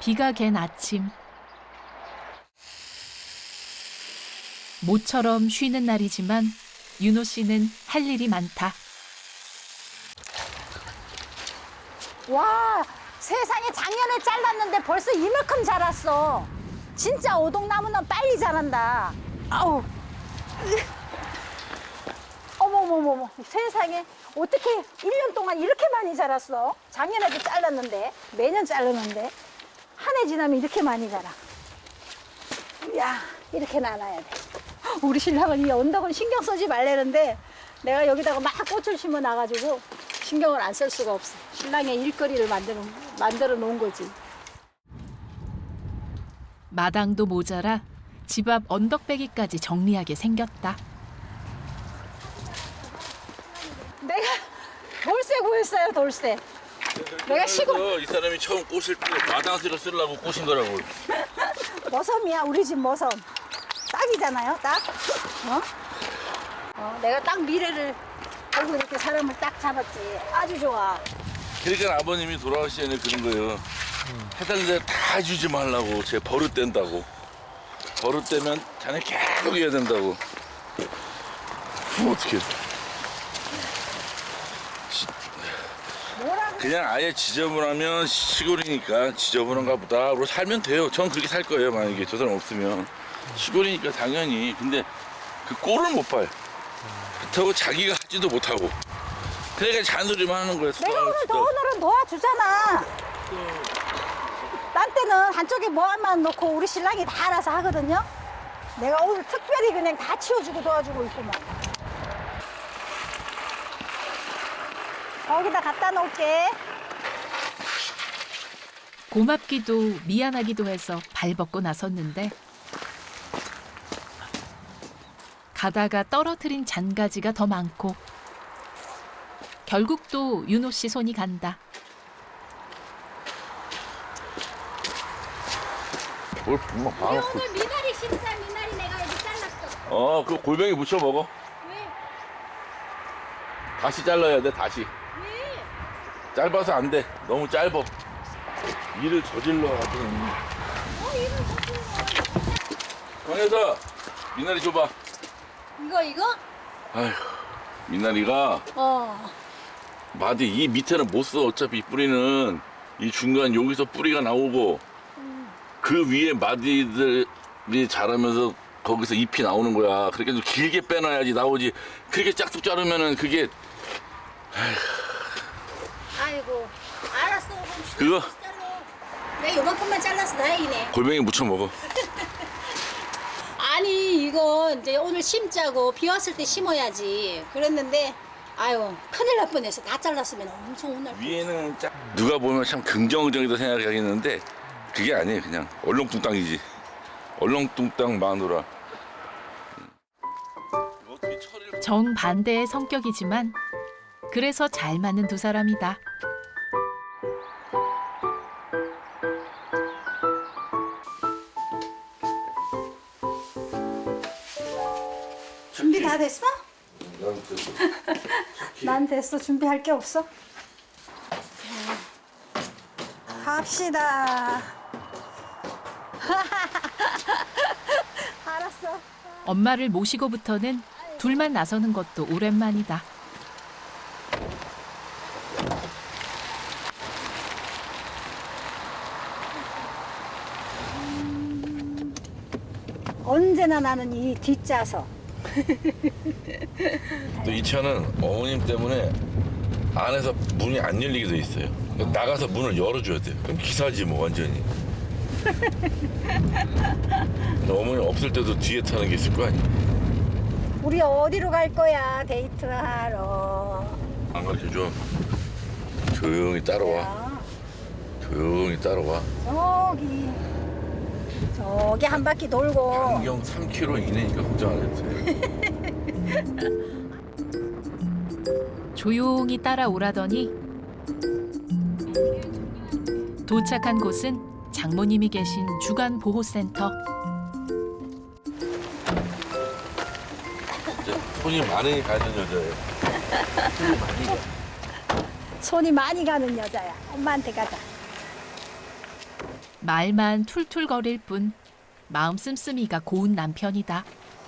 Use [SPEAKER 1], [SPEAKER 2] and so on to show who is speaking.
[SPEAKER 1] 비가 갠 아침. 모처럼 쉬는 날이지만 윤호 씨는 할 일이 많다.
[SPEAKER 2] 와, 세상에 작년에 잘랐는데 벌써 이만큼 자랐어. 진짜 오동나무는 빨리 자란다. 아우. 어머머머머, 세상에 어떻게 1년 동안 이렇게 많이 자랐어? 작년에도 잘랐는데, 매년 자르는데 한 해 지나면 이렇게 많이 자라. 야, 이렇게 나눠야 돼. 우리 신랑은 이 언덕은 신경 쓰지 말라는데 내가 여기다가 막 꽃을 심어 놔가지고 신경을 안 쓸 수가 없어. 신랑의 일거리를 만들어 놓은 거지.
[SPEAKER 1] 마당도 모자라 집 앞 언덕배기까지 정리하게 생겼다.
[SPEAKER 2] 내가 돌쇠 구했어요, 돌쇠. 내가 시골
[SPEAKER 3] 이 사람이 처음 꼬실 때 마당쇠를 쓰려고 꼬신 거라고.
[SPEAKER 2] 머섬이야, 우리 집 머섬. 딱이잖아요, 딱. 내가 딱 미래를 알고 이렇게 사람을 딱 잡았지. 아주 좋아.
[SPEAKER 3] 그러니까 아버님이 돌아가시기 전에 그런 거예요. 해달라는 대로 다 주지 말라고. 제 버릇된다고. 버릇되면 자네 계속 해야 된다고. 그럼 어떡해.
[SPEAKER 2] 뭐라고?
[SPEAKER 3] 그냥 아예 지저분하면 시골이니까 지저분한가 보다. 그러고 살면 돼요. 전 그렇게 살 거예요. 만약에 저 사람 없으면. 시골이니까 당연히. 근데 그 꼴을 못 봐요. 그렇다고 자기가 하지도 못하고. 그러니까 잔소리만 하는 거예요.
[SPEAKER 2] 내가 오늘은 도와주잖아. 딴 때는 한쪽에 뭐만 놓고 우리 신랑이 다 알아서 하거든요. 내가 오늘 특별히 그냥 다 치워주고 도와주고 있구만. 거기다 갖다 놓을게.
[SPEAKER 1] 고맙기도 미안하기도 해서 발벗고 나섰는데 가다가 떨어뜨린 잔가지가 더 많고 결국 또 윤호 씨 손이 간다.
[SPEAKER 3] 뭘 금방 봐놓고.
[SPEAKER 2] 오늘 미나리 심사 미나리 내가 여기 잘랐어.
[SPEAKER 3] 그 골뱅이 무쳐 먹어.
[SPEAKER 2] 왜?
[SPEAKER 3] 다시 잘라야 돼, 다시.
[SPEAKER 2] 왜?
[SPEAKER 3] 짧아서 안 돼. 너무 짧아. 일을 저질러가지고.
[SPEAKER 2] 이름 적힌
[SPEAKER 3] 강혜서, 미나리 줘봐.
[SPEAKER 2] 거. 이거?
[SPEAKER 3] 아휴, 미나리가 마디 이 밑에는 못 써. 어차피 이 뿌리는 이 중간 여기서 뿌리가 나오고 그 위에 마디들이 자라면서 거기서 잎이 나오는 거야. 그렇게 좀 길게 빼놔야지 나오지. 그렇게 짝뚝 자르면은 그게
[SPEAKER 2] 아이고, 알았어.
[SPEAKER 3] 그거
[SPEAKER 2] 내가 요만큼만 잘라서 다행이네.
[SPEAKER 3] 골뱅이 무쳐 먹어.
[SPEAKER 2] 아니, 이거 이제 오늘 심자고 비 왔을 때 심어야지. 그랬는데, 아유, 큰일 날 뻔해서 다 잘랐으면 엄청 오늘.
[SPEAKER 3] 위에는 짝 누가 보면 참 긍정적이다 생각하겠는데 그게 아니에요. 그냥 얼렁뚱땅이지. 얼렁뚱땅 마누라. 어떻게 처리를
[SPEAKER 1] 정반대의 성격이지만 그래서 잘 맞는 두 사람이다.
[SPEAKER 2] 준비 다 됐어?
[SPEAKER 3] 난 그래서
[SPEAKER 2] 난 됐어. 준비할 게 없어. 갑시다. 알았어.
[SPEAKER 1] 엄마를 모시고부터는 둘만 나서는 것도 오랜만이다.
[SPEAKER 2] 언제나 나는 이 뒷좌석.
[SPEAKER 3] 또 이 차는 어머님 때문에 안에서 문이 안 열리게 돼 있어요. 그러니까 나가서 문을 열어줘야 돼요. 그럼 기사지 뭐 완전히. 근데 어머니 없을 때도 뒤에 타는 게 있을 거 아니야.
[SPEAKER 2] 우리 어디로 갈 거야? 데이트하러.
[SPEAKER 3] 안 가르쳐줘. 조용히 따라와. 조용히 따라와.
[SPEAKER 2] 저기 한 바퀴 돌고.
[SPEAKER 3] 반경 3km 이내니까 걱정 안 해도 돼.
[SPEAKER 1] 조용히 따라오라더니 도착한 곳은 장모님이 계신 주간보호센터.
[SPEAKER 3] 이제 손이 많이 가는 여자예요.
[SPEAKER 2] 손이 많이 가는 여자야. 엄마한테 가자.
[SPEAKER 1] 말만 툴툴거릴 뿐 마음 씀씀이가 고운 남편이다.